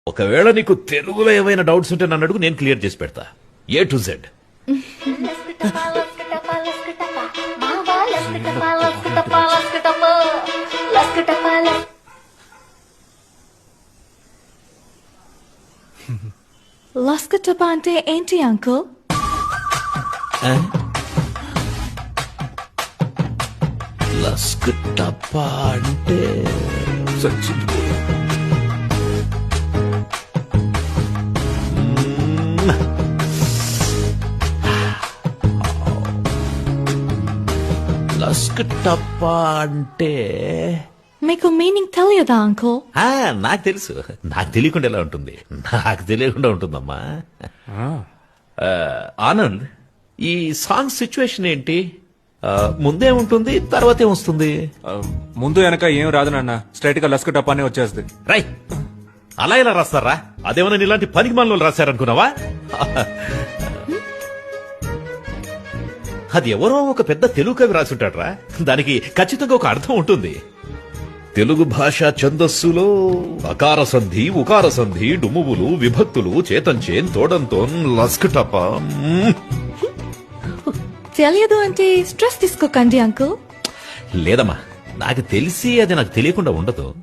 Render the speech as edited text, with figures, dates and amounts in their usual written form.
ఒకవేళ నీకు తెలుగులో ఏమైనా డౌట్స్ ఉంటే నన్ను అడుగు, నేను క్లియర్ చేసి పెడతా. A to Z. లస్కటపా అంటే ఏంటి అంకుల్? లస్కటపా అంటే సచ్చింది. లస్కటపా అంటే మీకు మీనింగ్ తెలియదా అంకుల్? నాకు తెలుసు. నాకు తెలియకుండా ఎలా ఉంటుంది? నాకు తెలియకుండా ఉంటుందమ్మా. ఆనంద్, ఈ సాంగ్ సిచ్యువేషన్ ఏంటి? ముందే ఉంటుంది, తర్వాత ఏమొస్తుంది? ముందు వెనక ఏం రాదు నాన్న, స్ట్రైట్ గా లస్క టపానే వచ్చేస్తుంది. రై, అలా ఎలా రాస్తారా? అదేమన్నా ఇలాంటి పనికి మనలో రాశారనుకున్నావా? అది ఎవరో ఒక పెద్ద తెలుగు కవి రాసుంటాడ్రా. దానికి ఖచ్చితంగా ఒక అర్థం ఉంటుంది. తెలుగు భాష ఛందస్సులో అకార సంధి, ఉకార సంధి, డుమువులు, విభక్తులు, చేతంచేన్, తోడంతోన్, లస్కటప. తెలియదు అంటే స్ట్రెస్ తీసుకోకండి అంకుల్. లేదమ్మా, నాకు తెలిసి అది నాకు తెలియకుండా ఉండదు.